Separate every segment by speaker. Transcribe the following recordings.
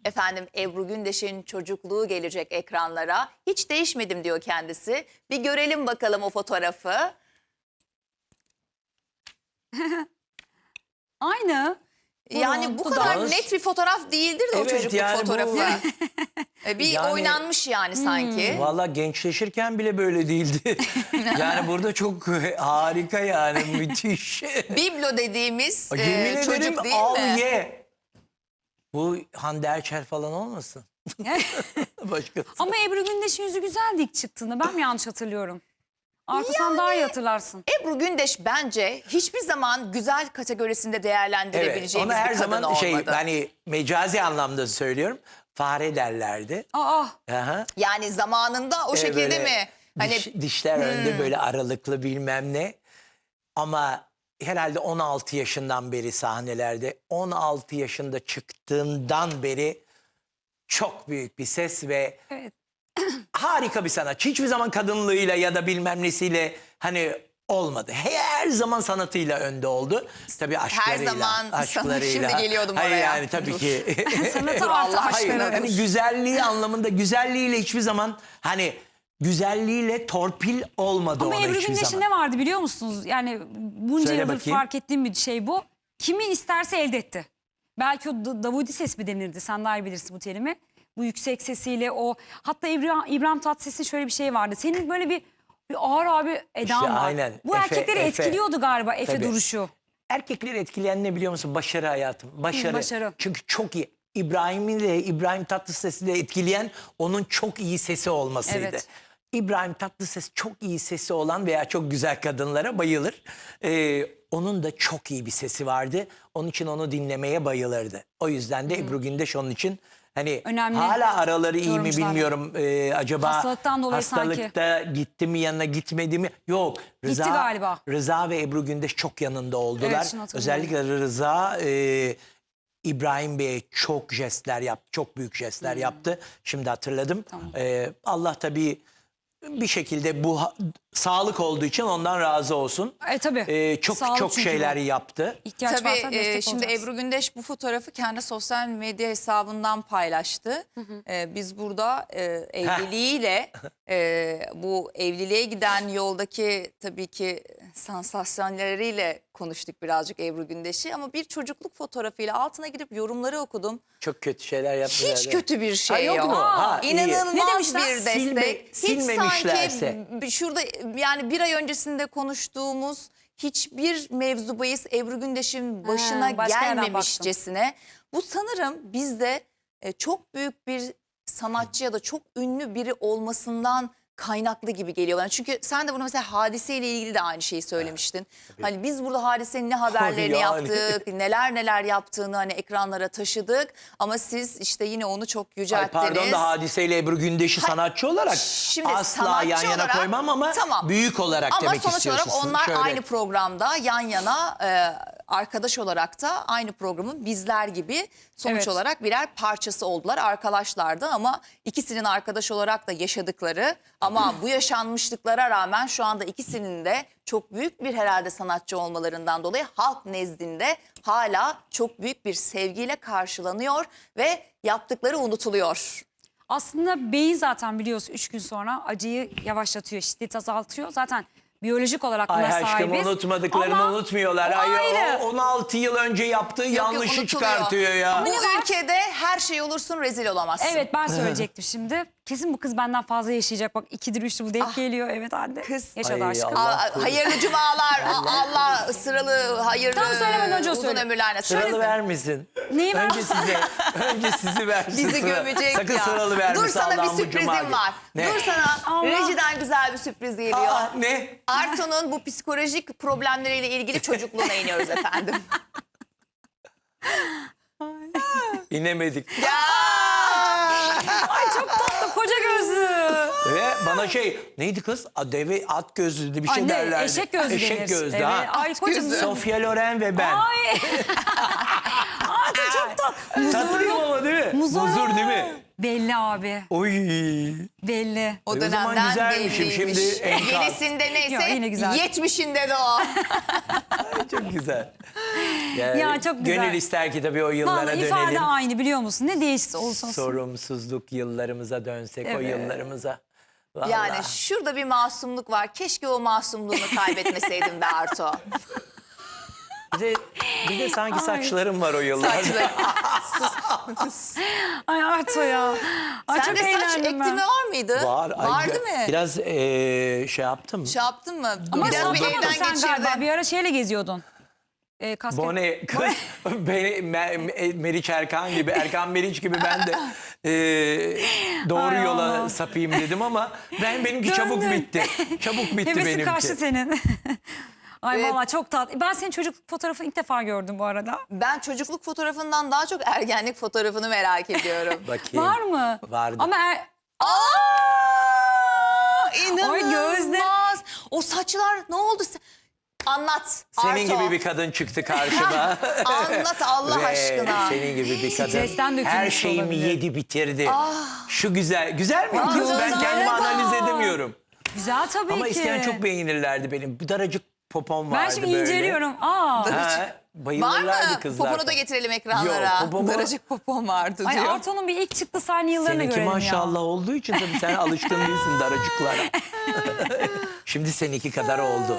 Speaker 1: Efendim Ebru Gündeş'in çocukluğu gelecek ekranlara. Hiç değişmedim diyor kendisi. Bir görelim bakalım o fotoğrafı.
Speaker 2: Aynı.
Speaker 1: Yani bu
Speaker 2: Burun,
Speaker 1: kadar
Speaker 2: dudak.
Speaker 1: net bir fotoğraf değildir de
Speaker 3: Evet,
Speaker 1: o çocukluk
Speaker 3: yani bu-
Speaker 1: fotoğrafı. Bir
Speaker 3: Yani-
Speaker 1: oynanmış yani sanki.
Speaker 3: Valla gençleşirken bile böyle değildi. Yani burada çok harika yani müthiş.
Speaker 1: Biblo dediğimiz
Speaker 3: Yemin
Speaker 1: çocuk
Speaker 3: ederim
Speaker 1: değil
Speaker 3: al
Speaker 1: mi?
Speaker 3: ye. Bu Hande Erçel falan olmasın? Başkası.
Speaker 2: Ama Ebru Gündeş'in yüzü güzeldi ilk çıktığında. Ben mi yanlış hatırlıyorum? Artı sen daha iyi hatırlarsın.
Speaker 1: Ebru Gündeş bence hiçbir zaman güzel kategorisinde
Speaker 3: Evet,
Speaker 1: değerlendirebileceğimiz
Speaker 3: ona her
Speaker 1: bir kadın
Speaker 3: zaman
Speaker 1: olmadı.
Speaker 3: hani mecazi anlamda söylüyorum. Fare derlerdi.
Speaker 2: Aa,
Speaker 3: Aha.
Speaker 1: Yani zamanında o şekilde
Speaker 3: Böyle
Speaker 1: mi? Hani
Speaker 3: dişler önde böyle aralıklı bilmem ne. Ama herhalde 16 yaşından beri sahnelerde, 16 yaşında çıktığından beri çok büyük bir ses ve
Speaker 2: evet.
Speaker 3: harika bir sanatçı. Hiçbir zaman kadınlığıyla ya da bilmem nesiyle hani olmadı. Her zaman sanatıyla önde oldu. Tabii aşklarıyla.
Speaker 1: zaman
Speaker 3: aşklarıyla.
Speaker 1: şimdi geliyordum
Speaker 3: Hayır
Speaker 1: oraya.
Speaker 3: yani tabii
Speaker 1: Dur.
Speaker 3: ki.
Speaker 2: Sanatı
Speaker 1: Dur,
Speaker 2: artı
Speaker 1: Allah
Speaker 3: Hayır,
Speaker 1: aşkına.
Speaker 3: hani güzelliği anlamında güzelliğiyle hiçbir zaman hani güzelliğiyle torpil olmadı
Speaker 2: Ama
Speaker 3: ona
Speaker 2: Ebru
Speaker 3: hiçbir
Speaker 2: Gündeş'in
Speaker 3: zaman.
Speaker 2: ne vardı biliyor musunuz? Yani bunca
Speaker 3: Söyle
Speaker 2: yıldır
Speaker 3: bakayım.
Speaker 2: fark ettiğim bir şey bu. Kimi isterse elde etti. Belki o Davudi ses mi denirdi? Sen daha iyi bilirsin bu terimi. Bu yüksek sesiyle o. Hatta İbrahim Tatlıses'in şöyle bir şey vardı. Senin böyle bir ağır abi edan
Speaker 3: İşte
Speaker 2: var.
Speaker 3: aynen.
Speaker 2: Bu
Speaker 3: Efe,
Speaker 2: erkekleri
Speaker 3: Efe.
Speaker 2: etkiliyordu galiba Efe
Speaker 3: Tabii.
Speaker 2: duruşu.
Speaker 3: Erkekleri etkileyen ne biliyor musun? Başarı hayatım. Başarı.
Speaker 2: başarı.
Speaker 3: Çünkü çok iyi. İbrahim Tatlıses'i de etkileyen onun çok iyi sesi olmasıydı.
Speaker 2: Evet.
Speaker 3: İbrahim Tatlıses çok iyi sesi olan veya çok güzel kadınlara bayılır. Onun da çok iyi bir sesi vardı. Onun için onu dinlemeye bayılırdı. O yüzden de Ebru Gündeş onun için hani
Speaker 2: Önemli
Speaker 3: hala araları iyi mi
Speaker 2: yorumcular.
Speaker 3: bilmiyorum. Acaba
Speaker 2: Hastalıktan dolayı sanki.
Speaker 3: hastalıkta gitti mi yanına gitmedi mi? Yok.
Speaker 2: Gitti galiba.
Speaker 3: Rıza ve Ebru Gündeş çok yanında oldular.
Speaker 2: Evet, şunu hatırlıyorum.
Speaker 3: Özellikle Rıza İbrahim Bey'e çok jestler yaptı. Çok büyük jestler yaptı. Şimdi hatırladım.
Speaker 2: Tamam.
Speaker 3: Allah tabii bir şekilde bu sağlık olduğu için ondan razı olsun.
Speaker 2: Tabii.
Speaker 3: Çok
Speaker 2: Sağlık
Speaker 3: çok
Speaker 2: çünkü
Speaker 3: şeyler
Speaker 2: bu.
Speaker 3: yaptı.
Speaker 2: İhtiyaç varsa
Speaker 1: Tabii
Speaker 2: destek
Speaker 1: şimdi
Speaker 2: olacağız.
Speaker 1: Ebru Gündeş bu fotoğrafı kendi sosyal medya hesabından paylaştı. Biz burada evliliğiyle bu evliliğe giden yoldaki tabii ki sansasyonlarıyla konuştuk birazcık Ebru Gündeş'i. Ama bir çocukluk fotoğrafıyla altına girip yorumları okudum.
Speaker 3: Çok kötü şeyler yaptılar.
Speaker 1: Hiç kötü bir şey
Speaker 3: Ha, yok
Speaker 1: yok.
Speaker 3: mu? Ha, iyi.
Speaker 1: İnanılmaz
Speaker 2: Ne demişler?
Speaker 1: bir destek. Hiç
Speaker 3: Silmemişlerse.
Speaker 1: sanki şurada yani bir ay öncesinde konuştuğumuz hiçbir mevzu bahis Ebru Gündeş'in başına
Speaker 2: başka yerden
Speaker 1: gelmemişcesine. Bu sanırım bizde çok büyük bir sanatçı ya da çok ünlü biri olmasından kaynaklı gibi geliyor bana. Çünkü sen de bunu mesela Hadise ile ilgili de aynı şeyi söylemiştin. Hani biz burada Hadise'nin ne haberlerini
Speaker 3: Yani.
Speaker 1: yaptık, neler yaptığını hani ekranlara taşıdık. Ama siz işte yine onu çok
Speaker 3: Ay
Speaker 1: yücelttiniz.
Speaker 3: pardon da Hadise ile Ebru Gündeş'i sanatçı olarak
Speaker 1: Şimdi
Speaker 3: asla
Speaker 1: sanatçı
Speaker 3: yan yana
Speaker 1: olarak-
Speaker 3: koymam ama
Speaker 1: Tamam.
Speaker 3: büyük olarak
Speaker 1: Ama
Speaker 3: demek
Speaker 1: sonuç
Speaker 3: istiyorsun.
Speaker 1: olarak onlar
Speaker 3: Şöyle.
Speaker 1: aynı programda yan yana arkadaş olarak da aynı programın bizler gibi sonuç
Speaker 2: Evet.
Speaker 1: olarak birer parçası oldular. Arkadaşlardı ama ikisinin arkadaş olarak da yaşadıkları ama bu yaşanmışlıklara rağmen şu anda ikisinin de çok büyük bir herhalde sanatçı olmalarından dolayı halk nezdinde hala çok büyük bir sevgiyle karşılanıyor ve yaptıkları unutuluyor.
Speaker 2: Aslında beyin zaten biliyorsun 3 gün sonra acıyı yavaşlatıyor, şiddet azaltıyor. Zaten biyolojik olarak buna
Speaker 3: Ay aşkım
Speaker 2: sahibiz.
Speaker 3: unutmadıklarını
Speaker 2: Ama
Speaker 3: unutmuyorlar.
Speaker 2: o
Speaker 3: Ay,
Speaker 2: ayrı.
Speaker 3: o 16 yıl önce yaptığı yanlışı
Speaker 1: unutuluyor.
Speaker 3: çıkartıyor ya.
Speaker 1: Bu ülkede her şey olursun rezil olamazsın.
Speaker 2: Evet ben söyleyecektim şimdi. Kesin bu kız benden fazla yaşayacak. Bak 2'dir 3'tür bu denk geliyor. Evet anne.
Speaker 1: Kız.
Speaker 2: Yaşadı
Speaker 3: Ay,
Speaker 2: aşkım.
Speaker 3: Allah korusun.
Speaker 1: Hayırlı cumalar. Allah sıralı hayırlı
Speaker 2: Tam söylemeden önce o
Speaker 1: uzun
Speaker 2: söyle.
Speaker 1: ömürler nasip
Speaker 3: Sıralı
Speaker 1: etsin.
Speaker 3: vermesin.
Speaker 2: Neyi ver?
Speaker 3: Önce sizi versin.
Speaker 1: Bizi
Speaker 3: sıra.
Speaker 1: gömecek
Speaker 3: Sakın
Speaker 1: ya.
Speaker 3: sıralı vermesin.
Speaker 1: Dur sana bir
Speaker 3: Allah'ım bu
Speaker 1: sürprizim
Speaker 3: cuma günü.
Speaker 1: var.
Speaker 3: Ne?
Speaker 1: Dur sana
Speaker 2: Allah.
Speaker 1: rejiden güzel bir sürpriz geliyor.
Speaker 3: Aa, ne?
Speaker 1: Arto'nun bu psikolojik problemleriyle ilgili çocukluğuna iniyoruz efendim.
Speaker 3: İnemedik.
Speaker 1: Ya!
Speaker 2: Ay çok tatlı koca gözlü.
Speaker 3: Ve bana neydi kız? Deve at gözlü bir şey
Speaker 2: Anne,
Speaker 3: derlerdi.
Speaker 2: eşek gözlü
Speaker 3: Eşek
Speaker 2: denir.
Speaker 3: gözlü
Speaker 2: Evet.
Speaker 3: ha.
Speaker 2: Ay kocam.
Speaker 3: Sofia Loren ve ben.
Speaker 2: Ay. Ay çok tatlı.
Speaker 3: Tatlıyım ama değil mi?
Speaker 2: Muzur.
Speaker 3: Muzur değil mi?
Speaker 2: Belli abi.
Speaker 3: Oy.
Speaker 2: Belli.
Speaker 1: O
Speaker 3: O zaman
Speaker 1: dönemden
Speaker 3: güzelmişim,
Speaker 1: belliymiş.
Speaker 3: şimdi enkaz.
Speaker 1: Yenisinde neyse
Speaker 2: Yok, yine güzel.
Speaker 1: 70'inde de o.
Speaker 3: Çok güzel. Yani
Speaker 2: Ya çok güzel.
Speaker 3: Gönül ister ki tabii o yıllara
Speaker 2: Vallahi ifade
Speaker 3: dönelim.
Speaker 2: aynı biliyor musun? Ne değişti olsun.
Speaker 3: Sorumsuzluk yıllarımıza dönsek, o
Speaker 2: Evet.
Speaker 3: yıllarımıza. Vallahi.
Speaker 1: Yani şurada bir masumluk var. Keşke o masumluğunu kaybetmeseydim be Arto.
Speaker 3: Bir de sanki saçlarım var o yıllarda.
Speaker 1: Saçları.
Speaker 2: Ay Arto ya. Ay çok
Speaker 1: Sende saç
Speaker 2: eğlendim ben.
Speaker 1: ektirme var mıydı?
Speaker 3: Var. Ay,
Speaker 1: Vardı mı?
Speaker 3: Biraz şey yaptım.
Speaker 1: Şey yaptın mı?
Speaker 2: Ama
Speaker 1: Biraz bir
Speaker 2: sallamadın
Speaker 1: evden
Speaker 2: sen galiba.
Speaker 1: geçirdin.
Speaker 2: Bir ara şeyle geziyordun. Kasket.
Speaker 3: Bone kız beni Meriç Erkan gibi, Erkan Meriç gibi ben de doğru
Speaker 2: Ay
Speaker 3: yola
Speaker 2: Allah.
Speaker 3: sapayım dedim ama benimki çabuk
Speaker 2: Döndün.
Speaker 3: bitti. Çabuk bitti
Speaker 2: Hevesin
Speaker 3: benimki.
Speaker 2: kaçtı senin. Ay
Speaker 1: Evet.
Speaker 2: valla çok tatlı. Ben senin çocukluk fotoğrafını ilk defa gördüm bu arada.
Speaker 1: Ben çocukluk fotoğrafından daha çok ergenlik fotoğrafını merak ediyorum.
Speaker 3: Bakayım.
Speaker 2: Var mı?
Speaker 3: Vardı.
Speaker 2: Ama
Speaker 1: Aa, İnanılmaz.
Speaker 2: gözde.
Speaker 1: O saçlar ne oldu? Anlat.
Speaker 3: Senin
Speaker 1: Arto.
Speaker 3: gibi bir kadın çıktı karşıma.
Speaker 1: Anlat Allah
Speaker 3: Ve
Speaker 1: aşkına.
Speaker 3: senin gibi bir kadın.
Speaker 2: Stresten dökülmüş
Speaker 3: Her şeyimi
Speaker 2: olabilir.
Speaker 3: yedi bitirdi. Şu güzel. Güzel mi kız? Ben
Speaker 1: gözlere
Speaker 3: kendimi
Speaker 1: bak.
Speaker 3: analiz edemiyorum.
Speaker 2: güzel tabii
Speaker 3: Ama
Speaker 2: ki.
Speaker 3: eskiden çok beğenirlerdi benim. Bir daracık popom vardı
Speaker 2: Ben şimdi
Speaker 3: böyle.
Speaker 2: inceliyorum. Aa.
Speaker 3: Ha,
Speaker 1: Var
Speaker 3: bayılırlardı
Speaker 1: mı?
Speaker 3: kızlar.
Speaker 1: Poponu da getirelim ekranlara.
Speaker 3: Yok, popomu-
Speaker 1: Daracık popom vardı
Speaker 2: Ay
Speaker 1: diyor.
Speaker 2: Arto'nun bir ilk çıktığı sahne yıllarını
Speaker 3: Seninki
Speaker 2: görelim
Speaker 3: maşallah
Speaker 2: ya.
Speaker 3: olduğu için tabii sen alışkın değilsin daracıklara. Şimdi seninki kadar oldu.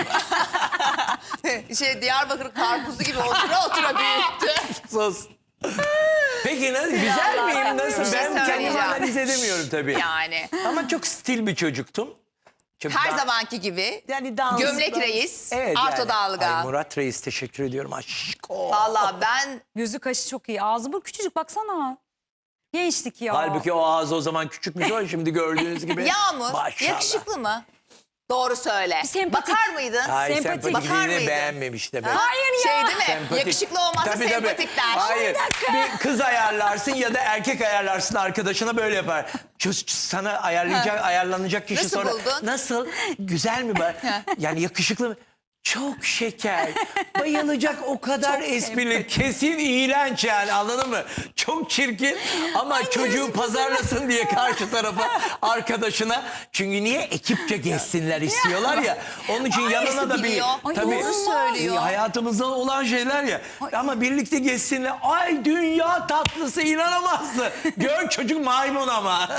Speaker 3: Allah'ım.
Speaker 1: Diyarbakır karpuzu gibi otura otura büyüttü.
Speaker 3: Sus. Peki güzel miyim? Nasıl?
Speaker 1: Bir şey
Speaker 3: Ben kendimi
Speaker 1: söyleyeceğim.
Speaker 3: analiz edemiyorum tabii.
Speaker 1: Yani
Speaker 3: Ama çok stil bir çocuktum. Çok
Speaker 1: her
Speaker 3: da-
Speaker 1: zamanki gibi.
Speaker 3: Yani dans,
Speaker 1: Gömlek reis,
Speaker 3: Evet,
Speaker 1: Arto
Speaker 3: yani.
Speaker 1: Dalga.
Speaker 3: Ay Murat Reis teşekkür ediyorum. Aşko.
Speaker 1: Valla ben
Speaker 2: Gözü kaşı çok iyi. Ağzı bu küçücük baksana. Gençlik ya.
Speaker 3: Halbuki o ağzı o zaman küçükmüş o şimdi gördüğünüz gibi.
Speaker 1: Yağmur
Speaker 3: Maşallah.
Speaker 1: yakışıklı mı? Doğru söyle.
Speaker 2: Sempatik.
Speaker 1: Bakar mıydın?
Speaker 3: Hayır
Speaker 2: Sempatik.
Speaker 3: sempatikliğini
Speaker 1: Bakar mıydın?
Speaker 3: beğenmemiş de ben.
Speaker 2: Hayır ya.
Speaker 1: Şey değil mi?
Speaker 3: Sempatik.
Speaker 1: Yakışıklı olmazsa
Speaker 3: Tabii, tabii.
Speaker 1: sempatik der.
Speaker 3: Hayır. Bir kız ayarlarsın ya da erkek ayarlarsın arkadaşına böyle yapar. Sana ayarlanacak kişi
Speaker 1: Nasıl
Speaker 3: sonra.
Speaker 1: buldun?
Speaker 3: Nasıl? Güzel mi? Yani yakışıklı mı? Çok şeker. Bayılacak o kadar esprili. Kesin iğrenç yani anladın mı? Çok çirkin ama çocuğu pazarlasın diye karşı tarafa arkadaşına. Çünkü niye ekipçe gezsinler istiyorlar ya. Onun için yanına da bir
Speaker 1: biliyor.
Speaker 2: Ay,
Speaker 3: tabii
Speaker 2: doğru
Speaker 1: söylüyor.
Speaker 3: hayatımızda olan şeyler ya. Ama birlikte gezsinler. Ay dünya tatlısı inanamazsın. Gör çocuk maymun ama.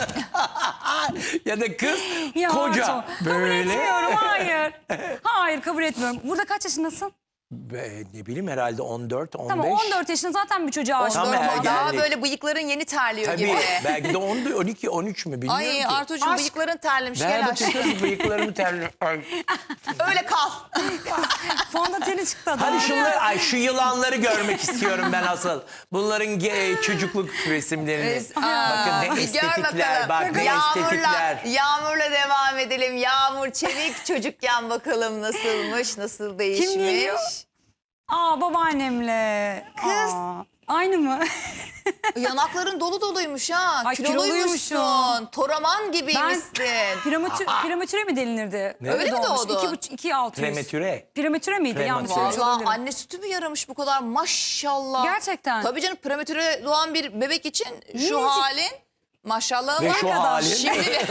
Speaker 3: Ya da kız
Speaker 2: Ya
Speaker 3: koca.
Speaker 2: Arto, kabul
Speaker 3: Böyle.
Speaker 2: etmiyorum. Hayır. Hayır kabul etmiyorum. Burada kaç yaşındasın?
Speaker 3: Ne bileyim herhalde 14, 15.
Speaker 2: Tamam 14 yaşında zaten bir çocuğa aşık.
Speaker 3: Tam
Speaker 1: 14
Speaker 3: ergenlik.
Speaker 1: daha böyle bıyıkların yeni terliyor
Speaker 3: Tabii
Speaker 1: gibi.
Speaker 3: belki de 12, 13 mü bilmiyorum
Speaker 1: Ay
Speaker 3: ki.
Speaker 1: Artucuğum
Speaker 2: Aşk.
Speaker 1: bıyıkların terlemiş.
Speaker 3: Ver
Speaker 1: Gel
Speaker 3: bakayım
Speaker 1: aşkım.
Speaker 3: kız bıyıklarımı terliyor. Ay.
Speaker 1: Öyle kal.
Speaker 2: Fondöteni çıktı adam.
Speaker 3: Hadi şunları, şu yılanları görmek istiyorum ben asıl. Bunların çocukluk resimlerini. Bakın ne
Speaker 1: Gör
Speaker 3: estetikler,
Speaker 1: bakalım.
Speaker 3: bak ne
Speaker 1: Yağmurla,
Speaker 3: estetikler.
Speaker 1: Yağmur'la devam edelim. Yağmur Çevik çocukken bakalım nasılmış, nasıl değişmiş.
Speaker 2: geliyor? Aa babaannemle.
Speaker 1: Kız.
Speaker 2: Aa, aynı mı?
Speaker 1: Yanakların dolu doluymuş ha.
Speaker 2: Ay,
Speaker 1: Kiloluymuşsun.
Speaker 2: kiloluymuşum.
Speaker 1: Toraman gibiymişsin.
Speaker 2: Prematüre mi delinirdi?
Speaker 3: Öyle
Speaker 1: mi doğdun?
Speaker 2: 2.600.
Speaker 3: Prematüre.
Speaker 2: Prematüre miydi? Yanlış
Speaker 3: Prematüre.
Speaker 2: söylemiş
Speaker 1: Vallahi
Speaker 2: olabilirim.
Speaker 1: anne sütü mü yaramış bu kadar maşallah.
Speaker 2: Gerçekten.
Speaker 1: Tabii canım prematüre doğan bir bebek için şu
Speaker 2: Minicik.
Speaker 1: halin maşallah
Speaker 3: Ve
Speaker 1: var
Speaker 3: şu
Speaker 1: kadar.
Speaker 3: halin.
Speaker 1: Şimdi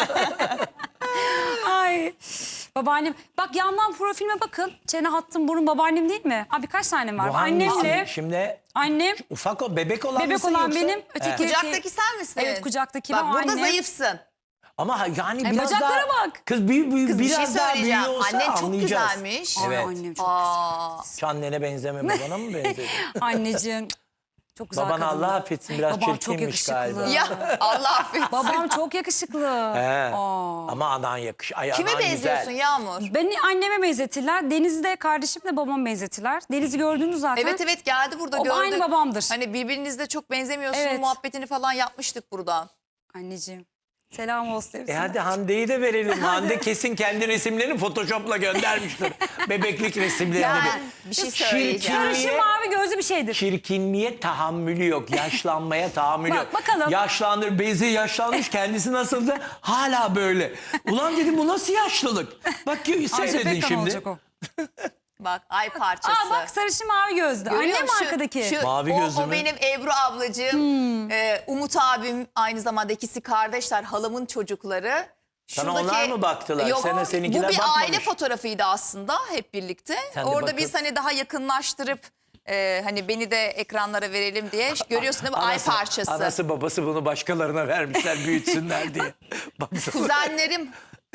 Speaker 2: Ay babaannem. Bak yandan profilime bakın. Çene hattım burun babaannem değil mi? Abi kaç tane var?
Speaker 3: Bu hangisi?
Speaker 2: Annemle.
Speaker 3: Şimdi
Speaker 2: Annem.
Speaker 3: ufak o bebek olan
Speaker 2: Bebek
Speaker 3: mısın
Speaker 2: olan
Speaker 3: yoksa?
Speaker 2: benim. Öteki.
Speaker 1: kucaktaki sen misin?
Speaker 2: Evet, kucaktaki
Speaker 1: Bak
Speaker 2: ben,
Speaker 1: burada
Speaker 2: anne.
Speaker 1: zayıfsın.
Speaker 3: Ama yani biraz
Speaker 2: bacaklara
Speaker 3: daha...
Speaker 2: bak.
Speaker 3: Kız
Speaker 1: Kız bir şey
Speaker 3: biraz daha büyüğü
Speaker 1: söyleyeceğim.
Speaker 3: olsa
Speaker 1: Annen çok
Speaker 3: anlayacağız.
Speaker 1: güzelmiş.
Speaker 3: Evet.
Speaker 2: Ay, annem çok
Speaker 1: Aa,
Speaker 3: Hiç annene benzeme babana mı benzedi?
Speaker 2: Anneciğim. Çok güzel
Speaker 3: Baban
Speaker 2: kadındı.
Speaker 3: Allah affetsin biraz
Speaker 2: Babam çok
Speaker 3: çirkinmiş
Speaker 2: yakışıklı.
Speaker 3: galiba.
Speaker 1: ya Allah affetsin.
Speaker 2: Babam çok yakışıklı.
Speaker 3: He.
Speaker 2: Aa.
Speaker 3: Ama anan Ay,
Speaker 1: Kime
Speaker 3: anan
Speaker 1: benziyorsun
Speaker 3: güzel.
Speaker 1: Yağmur?
Speaker 2: Beni anneme benzetirler. Deniz'i de kardeşimle babam benzetirler. Deniz'i gördünüz zaten.
Speaker 1: Evet evet geldi burada
Speaker 2: O
Speaker 1: gördük.
Speaker 2: aynı babamdır.
Speaker 1: Hani birbirinizle çok benzemiyorsun
Speaker 2: Evet.
Speaker 1: muhabbetini falan yapmıştık burada.
Speaker 2: Anneciğim. Selam olsun hepsine.
Speaker 3: Hadi Hande'yi de verelim. Hande kesin kendi resimlerini Photoshop'la göndermiştir. Bebeklik resimlerini.
Speaker 1: Ben bir şey söyleyeceğim.
Speaker 2: Sarışın mavi gözlü bir şeydir.
Speaker 3: Çirkinliğe tahammülü yok. Yaşlanmaya tahammülü
Speaker 2: Bak,
Speaker 3: yok.
Speaker 2: bakalım.
Speaker 3: Yaşlandır, bezi yaşlanmış. Kendisi nasıldı? Hala böyle. Ulan dedim bu nasıl yaşlılık? Bak
Speaker 2: Ajda
Speaker 3: seyredin
Speaker 2: Pekkan
Speaker 3: şimdi.
Speaker 2: olacak o.
Speaker 1: Bak ay parçası.
Speaker 2: Aa bak sarışın mavi gözlü.
Speaker 1: Görüyor
Speaker 2: Anne mi
Speaker 1: musun?
Speaker 2: arkadaki?
Speaker 3: Mavi
Speaker 1: o,
Speaker 3: gözlü
Speaker 1: o
Speaker 3: mü?
Speaker 1: benim Ebru ablacığım. Umut abim aynı zamanda ikisi kardeşler. Halamın çocukları.
Speaker 3: Sana onlar mı baktılar?
Speaker 1: Yok,
Speaker 3: Sana seninkiler
Speaker 1: bu bir
Speaker 3: bakmamış.
Speaker 1: aile fotoğrafıydı aslında hep birlikte.
Speaker 3: Sen de
Speaker 1: Orada
Speaker 3: bakıp-
Speaker 1: biz hani daha yakınlaştırıp hani beni de ekranlara verelim diye görüyorsun değil mi? Ay parçası.
Speaker 3: Anası babası bunu başkalarına vermişler büyütsünler diye. Baksana.
Speaker 1: Kuzenlerim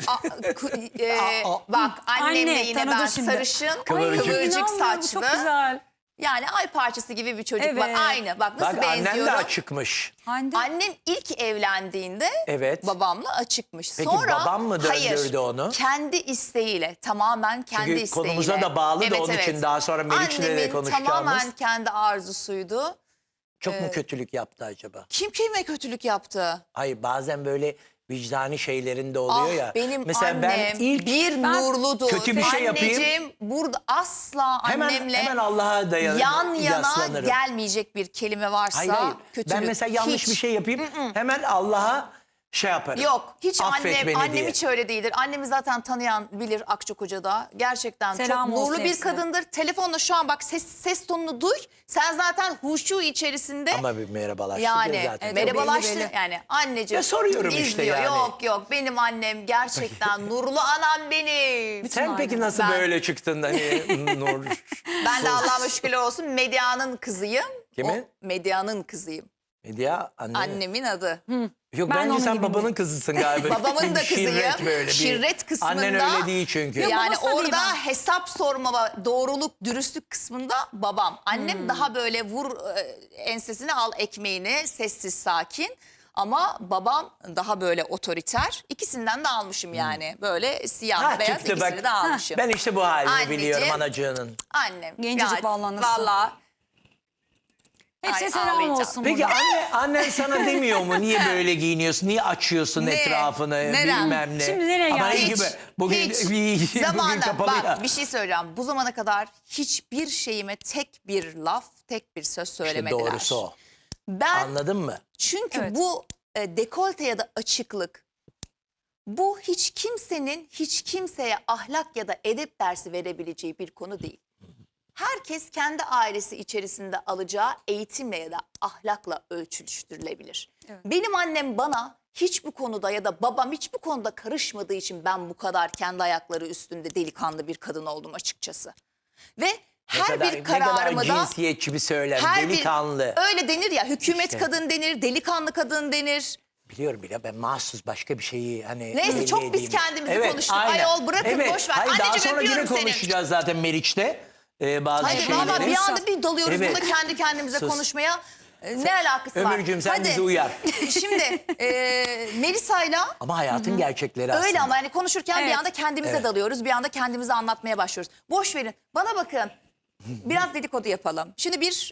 Speaker 1: bak annem de
Speaker 2: Anne,
Speaker 1: yine
Speaker 2: tanıdı
Speaker 1: ben
Speaker 2: şimdi.
Speaker 1: sarışın
Speaker 3: Kıvırcık.
Speaker 1: kıvırcık
Speaker 2: İnanmıyorum, bu
Speaker 1: saçlı.
Speaker 2: çok güzel.
Speaker 1: Yani ay parçası gibi bir çocuk var.
Speaker 2: Evet.
Speaker 1: Aynı bak nasıl
Speaker 3: Bak annen de
Speaker 1: benziyorum.
Speaker 3: açıkmış.
Speaker 2: Hande.
Speaker 1: Annem ilk evlendiğinde
Speaker 3: Evet.
Speaker 1: babamla açıkmış.
Speaker 3: Peki
Speaker 1: Sonra
Speaker 3: babam mı döndürdü onu?
Speaker 1: Kendi isteğiyle, tamamen kendi
Speaker 3: Çünkü
Speaker 1: isteğiyle.
Speaker 3: konumuza da bağlı da onun için daha sonra Meriç'le de
Speaker 1: Annemin
Speaker 3: konuşacağımız.
Speaker 1: tamamen kendi arzusuydu.
Speaker 3: Çok mu kötülük yaptı acaba?
Speaker 1: Kim kime kötülük yaptı?
Speaker 3: Hayır bazen böyle vicdani şeylerinde oluyor ya.
Speaker 1: Benim
Speaker 3: Mesela
Speaker 1: annem
Speaker 3: ben ilk
Speaker 1: bir nurludur.
Speaker 3: kötü bir şey yapayım.
Speaker 1: Anneciğim burada asla annemle
Speaker 3: hemen Allah'a dayanır.
Speaker 1: yan yana
Speaker 3: yaslanırım.
Speaker 1: gelmeyecek bir kelime varsa
Speaker 3: Hayır.
Speaker 1: kötülük.
Speaker 3: Ben mesela yanlış
Speaker 1: Hiç.
Speaker 3: bir şey yapayım. Hemen Allah'a şey yaparım.
Speaker 1: Yok hiç
Speaker 3: Affet beni
Speaker 1: annem
Speaker 3: diye.
Speaker 1: hiç öyle değildir. Annemi zaten tanıyan bilir Akçakoca'da. Gerçekten
Speaker 2: Selam
Speaker 1: çok
Speaker 2: olsun
Speaker 1: nurlu bir
Speaker 2: hepsine.
Speaker 1: kadındır. Telefonla şu an bak ses tonunu duy. Sen zaten huşu içerisinde
Speaker 3: Ama bir merhabalaştık
Speaker 1: yani
Speaker 3: ya zaten.
Speaker 1: merhabalaştı
Speaker 2: belli.
Speaker 1: yani anneciğim.
Speaker 3: Ya soruyorum işte
Speaker 1: izliyor.
Speaker 3: yani.
Speaker 1: Yok benim annem gerçekten nurlu anam benim.
Speaker 3: Sen peki
Speaker 2: Aynen.
Speaker 3: nasıl
Speaker 1: Ben-
Speaker 3: böyle çıktın hani nur?
Speaker 1: Ben de Allah'ıma şükürler olsun Medya'nın kızıyım.
Speaker 3: Kimin?
Speaker 1: O, Medya'nın kızıyım.
Speaker 3: Medya anne.
Speaker 1: Annemin adı.
Speaker 3: Yok
Speaker 2: Ben
Speaker 3: bence
Speaker 2: onun
Speaker 3: sen
Speaker 2: gibi
Speaker 3: babanın kızısın galiba.
Speaker 1: Babamın da kızıyım.
Speaker 3: Şirret böyle bir.
Speaker 1: Şirret kısmında.
Speaker 3: Annen öyle değil çünkü.
Speaker 2: Yok,
Speaker 1: Yani
Speaker 2: babası da değil
Speaker 1: orada
Speaker 2: ben.
Speaker 1: hesap sorma, doğruluk, dürüstlük kısmında babam. Annem daha böyle vur ensesine al ekmeğini, sessiz sakin. Ama babam daha böyle otoriter. İkisinden de almışım yani. Böyle siyah
Speaker 3: Ha,
Speaker 1: beyaz
Speaker 3: çıktı
Speaker 1: ikisini
Speaker 3: bak.
Speaker 1: de almışım.
Speaker 3: Ben işte bu halini
Speaker 1: Anneciğim.
Speaker 3: biliyorum anacığının.
Speaker 1: Annem.
Speaker 2: Gencecik vallahi nasıl?
Speaker 1: Vallahi.
Speaker 2: Hepsine
Speaker 1: Ay,
Speaker 2: selam
Speaker 1: ağlayacağım.
Speaker 2: olsun
Speaker 3: Peki
Speaker 2: buradan.
Speaker 3: annen sana demiyor mu niye böyle giyiniyorsun? Niye açıyorsun
Speaker 1: Ne?
Speaker 3: etrafını
Speaker 1: Neren?
Speaker 3: bilmem ne?
Speaker 2: Şimdi nereye
Speaker 3: Ama iyi
Speaker 2: geldik?
Speaker 3: gibi. Bugün,
Speaker 1: Hiç.
Speaker 3: bugün
Speaker 1: Zamanla
Speaker 3: kapalı
Speaker 1: bak
Speaker 3: ya.
Speaker 1: bir şey söyleyeceğim. Bu zamana kadar hiçbir şeyime tek bir laf, tek bir söz
Speaker 3: İşte
Speaker 1: söylemediler.
Speaker 3: doğrusu o.
Speaker 1: Ben
Speaker 3: Anladın mı?
Speaker 1: çünkü
Speaker 2: Evet.
Speaker 1: bu dekolte ya da açıklık bu hiç kimsenin hiç kimseye ahlak ya da edep dersi verebileceği bir konu değil. Herkes kendi ailesi içerisinde alacağı eğitimle ya da ahlakla ölçüştürülebilir.
Speaker 2: Evet.
Speaker 1: Benim annem bana hiç bu konuda ya da babam hiç bu konuda karışmadığı için ben bu kadar kendi ayakları üstünde delikanlı bir kadın oldum açıkçası. Ve her bir
Speaker 3: ne
Speaker 1: kararımı
Speaker 3: kadar
Speaker 1: da
Speaker 3: cinsiyetçi bir söylem.
Speaker 1: her
Speaker 3: Delikanlı.
Speaker 1: bir öyle denir ya hükümet
Speaker 3: İşte.
Speaker 1: kadın denir, delikanlı kadın denir.
Speaker 3: Biliyorum bile ben mahsus başka bir şeyi hani
Speaker 1: Neyse,
Speaker 3: belli
Speaker 1: çok biz
Speaker 3: edeyim.
Speaker 1: kendimizi konuştuk.
Speaker 3: aynen.
Speaker 1: Ayol bırakın, boş ver.
Speaker 3: Hayır, daha
Speaker 1: Anneciğim,
Speaker 3: sonra yine
Speaker 1: öpüyorum seni.
Speaker 3: konuşacağız zaten Meriç'te. Bazı
Speaker 1: Hadi
Speaker 3: şeyleri.
Speaker 1: valla bir anda bir dalıyoruz
Speaker 3: Evet.
Speaker 1: burada kendi kendimize
Speaker 3: Sus.
Speaker 1: konuşmaya. Ne alakası var?
Speaker 3: Ömürcüğüm, sen
Speaker 1: Hadi.
Speaker 3: bizi uyar.
Speaker 1: Şimdi Melisa'yla
Speaker 3: Ama hayatın gerçekleri aslında.
Speaker 1: öyle ama hani konuşurken bir
Speaker 2: Evet.
Speaker 1: anda kendimize dalıyoruz. Bir anda kendimize anlatmaya başlıyoruz. Boş verin. Bana bakın. Biraz dedikodu yapalım. Şimdi bir